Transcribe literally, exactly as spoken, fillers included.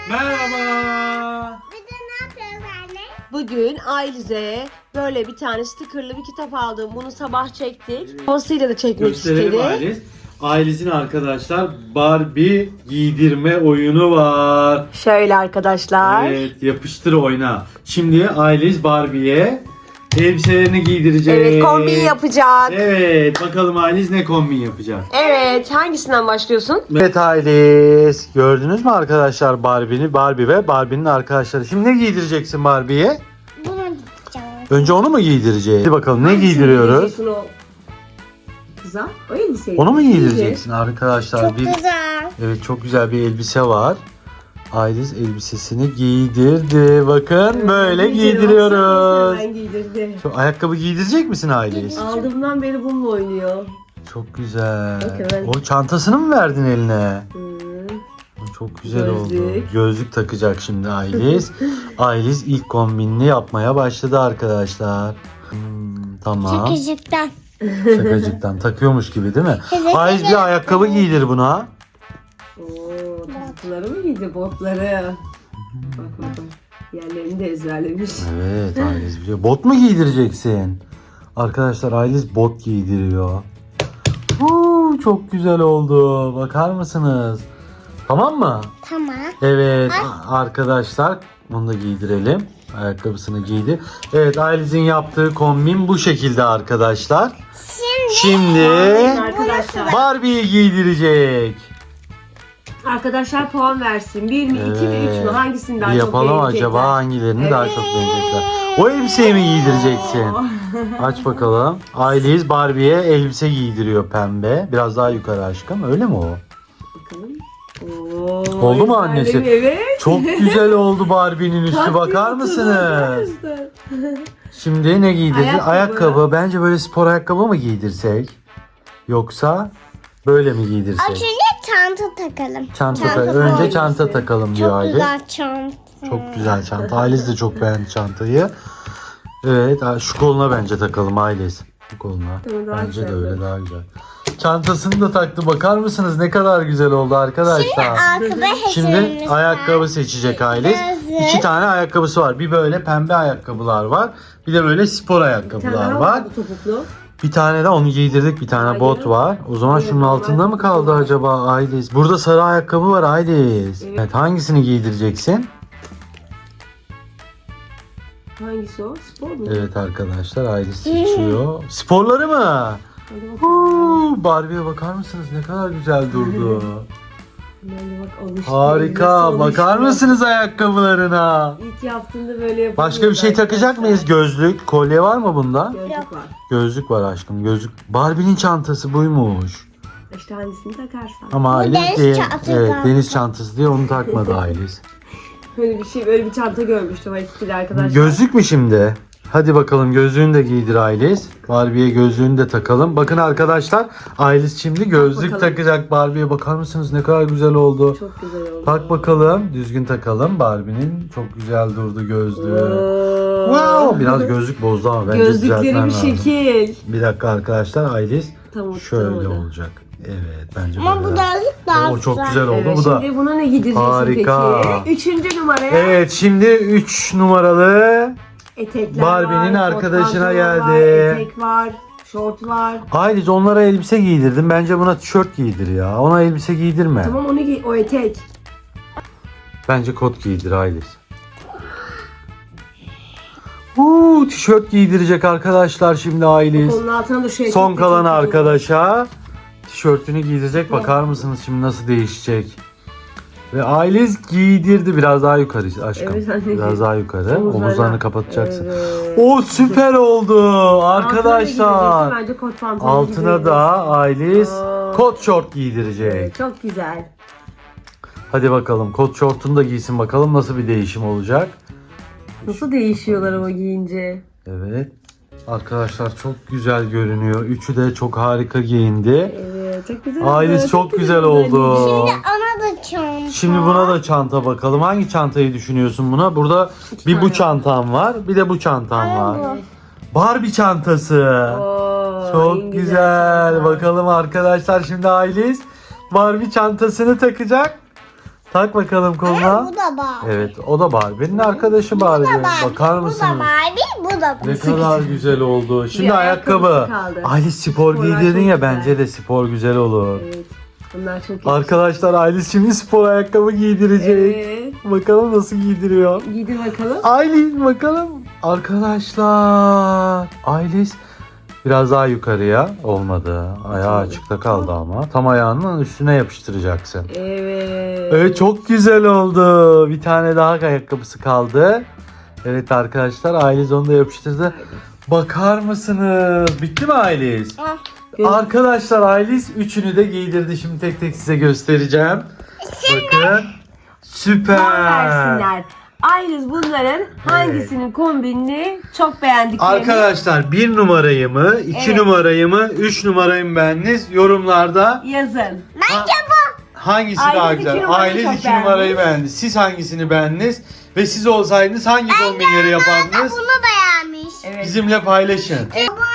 Merhaba. Bugün ne yapıyoruz anne? Bugün Ailiz'e böyle bir tane stickerlı bir kitap aldım. Bunu sabah çektik. Babasıyla da çekmek Gösterelim istedi. Ailes. Ailesinin arkadaşlar Barbie giydirme oyunu var. Şöyle arkadaşlar. Evet, yapıştır oyna. Şimdi Ailes Barbie'ye elbiselerini giydirecek. Evet, kombin yapacak. Evet, bakalım Ailes ne kombin yapacak. Evet, hangisinden başlıyorsun? Evet Ailes, gördünüz mü arkadaşlar Barbie'ni, Barbie ve Barbie'nin arkadaşları. Şimdi ne giydireceksin Barbie'ye? Bunu gideceğim. Önce onu mu giydireceğiz? Hadi bakalım ne Hangisini giydiriyoruz? giydireceksin o kıza? O elbiseyi. Onu mu Giydir. giydireceksin arkadaşlar? Çok Bir- güzel. Evet, çok güzel bir elbise var. Ailes elbisesini giydirdi. Bakın Evet, böyle giydir, giydiriyoruz. baksana, hemen giydirdi. Şu ayakkabı giydirecek misin Ailes? Aldığımdan beri bununla oynuyor. Çok güzel. Bakın. O çantasını mı verdin eline? Hmm. O çok güzel oldu. Gözlük. Gözlük takacak şimdi Ailes. Ailes ilk kombinini yapmaya başladı arkadaşlar. Hmm, tamam. Çekicikten. Şakacıktan takıyormuş gibi değil mi? Evet, Ailes evet. bir ayakkabı giydir buna. Oo, topukları mı giydi, botları? Bak bakalım. Yerlerini de ezberlemiş. Evet Ailes biliyor. Bot mu giydireceksin? Arkadaşlar Ailes bot giydiriyor. Huu, çok güzel oldu. Bakar mısınız? Tamam mı? Tamam. Evet a- arkadaşlar bunu da giydirelim. Ayakkabısını giydi. Evet Ailes'in yaptığı kombin bu şekilde arkadaşlar. Şimdi Arkadaşlar. Barbie'yi giydirecek. Arkadaşlar puan versin. bir mi, iki mi, üç mü? Hangisini daha Bir çok yapalım beğenecekler? acaba hangilerini daha Evet. çok beğenecekler. O elbiseyi mi giydireceksin? Aç bakalım. Aileyiz Barbie'ye elbise giydiriyor pembe. Biraz daha yukarı aşkım. Öyle mi o? Bakalım. Oo, Oldu mu annesi? ezberledi, Evet. Çok güzel oldu Barbie'nin üstü. Taktiği Bakar hatırladı mısınız? arkadaşlar. Şimdi ne giydirecek? Ayakkabı. Ayakkabı. Bence böyle spor ayakkabı mı giydirsek? Yoksa böyle mi giydirsek? Önce çanta takalım. Çanta Çanta ta- önce koy. çanta takalım diyor Çok Aile. güzel çanta. Çok güzel çanta. Ailesi de çok beğendi çantayı. Evet, şu koluna bence takalım Ailesi. Bu koluna. Evet, daha Bence de güzel. öyle daha güzel. Çantasını da taktı. Bakar mısınız ne kadar güzel oldu arkadaşlar. Ayakkabı Şimdi hazırımız ayakkabı var. seçecek Ailes. Gözlük. İki tane ayakkabısı var. Bir böyle pembe ayakkabılar var. Bir de böyle spor Bir tane ayakkabılar daha var. bu topuklu. Bir tane de onu giydirdik. Bir tane Hayır. bot var. O zaman Evet, şunun var. altında mı kaldı acaba Ailes? Burada sarı ayakkabı var Ailes. Evet. Evet, hangisini giydireceksin? Hangisi o? Spor mu? Evet arkadaşlar Ailes seçiyor. Sporları mı? Hadi bakalım. Huu, Barbie'ye bakar mısınız? Ne kadar güzel durdu. Bence bak alıştı. Harika. Nasıl Bakar alıştı? mısınız ayakkabılarına? İlk yaptığında böyle yapıyoruz. Başka bir şey takacak mıyız? Gözlük, kolye var mı bunda? Gözlük var. Gözlük var aşkım. Gözlük. Barbie'nin çantası buymuş. İşte hangisini takarsan. Ama Bu Ailes deniz diye, çantası. evet, deniz çantası diye onu takmadı Ailes. Böyle bir şey, böyle bir çanta görmüştüm eskili arkadaşlar. Gözlük mü şimdi? Hadi bakalım gözlüğünü de giydir Ailes. Barbie'ye gözlüğünü de takalım. Bakın arkadaşlar Ailes şimdi gözlük bakalım. takacak Barbie'ye. Bakar mısınız ne kadar güzel oldu. Çok güzel oldu. Tak bakalım. Düzgün takalım. Barbie'nin çok güzel durdu gözlüğü. Oo. Wow, biraz gözlük bozdu ama bence Gözlükleri düzeltmem bir lazım. şekil. Bir dakika arkadaşlar Ailes Tamam, şöyle tutamadı. olacak. Evet bence Ama bu böyle. gözlük daha O çok güzel. güzel oldu Evet, bu da. şimdi buna ne giydireceksin Harika. peki? Üçüncü numaraya Evet şimdi üç numaralı etekler Barbie'nin var, arkadaşına kot pantolon geldi. Var, etek var, şort var. Ailes onlara elbise giydirdim. Bence buna tişört giydir ya. Ona elbise giydirme. Tamam onu giy, o etek. Bence kot giydir Ailes. Uuu tişört giydirecek arkadaşlar şimdi Ailes. Onun altına da şu etek. Son de kalan çok güzel. arkadaşa tişörtünü giydirecek. Bakar mısınız şimdi nasıl değişecek? Ve Ailes giydirdi biraz daha yukarı aşkım. Evet, anneciğim. Biraz daha yukarı. Omuzlarına. Omuzlarını kapatacaksın. Evet. O süper oldu arkadaşlar. Altına da giydireceksin, bence kot pantolon Altına da Ailes Oo. kot şort giydirecek. Evet, çok güzel. Hadi bakalım kot şortunu da giysin bakalım nasıl bir değişim olacak. Nasıl değişiyorlar ama giyince. Evet. Arkadaşlar çok güzel görünüyor. Üçü de çok harika giyindi. Evet, çok güzel oldu. Ailes çok güzel oldu. Ona da çanta. Şimdi buna da çanta bakalım. Hangi çantayı düşünüyorsun buna? Burada İki bir bu tane. çantam var, bir de bu çantam Ay, var. bu. Barbie çantası. Oo, en Çok güzel. çanta. Bakalım arkadaşlar şimdi Ailes Barbie çantasını takacak. Tak bakalım koluna. Bu da Barbie. Evet, o da Barbie'nin arkadaşı Barbie. Bakar Bu da mısınız? Barbie, bu da Ne Barbie. kadar güzel oldu. Şimdi Bir ayakkabı. ayakkabısı kaldı. Aylis spor Sporlar giydirdin çok ya, güzel. bence de spor güzel olur. Evet. Bunlar çok iyi. Arkadaşlar Aylis şimdi spor ayakkabı giydirecek. Evet. Bakalım nasıl giydiriyor. Giydir bakalım. Aylis bakalım. Arkadaşlar Aylis biraz daha yukarıya olmadı. Ayağı açıkta kaldı ama. Tam ayağının üstüne yapıştıracaksın. Evet. Evet, çok güzel oldu. Bir tane daha ayakkabısı kaldı. Evet arkadaşlar, Aylis onu da yapıştırdı. Bakar mısınız? Bitti mi Aylis? Ah, Göz- Arkadaşlar Aylis üçünü de giydirdi. Şimdi tek tek size göstereceğim. Bakın. Süper. Puan versinler. Ayliz bunların hangisinin kombinini çok beğendiklerini. Arkadaşlar bir numarayı mı, iki Evet. numarayı mı, üç numarayı mı beğendiniz? Yorumlarda yazın. Bence bu. hangisi Aylis daha iki güzel? numarayı Aylis çok iki numarayı beğenmiş. beğendi. Siz hangisini beğendiniz? Ve siz olsaydınız hangi kombinleri yapardınız? Bunu beğenmiş. Evet. Bizimle paylaşın. Evet. Bu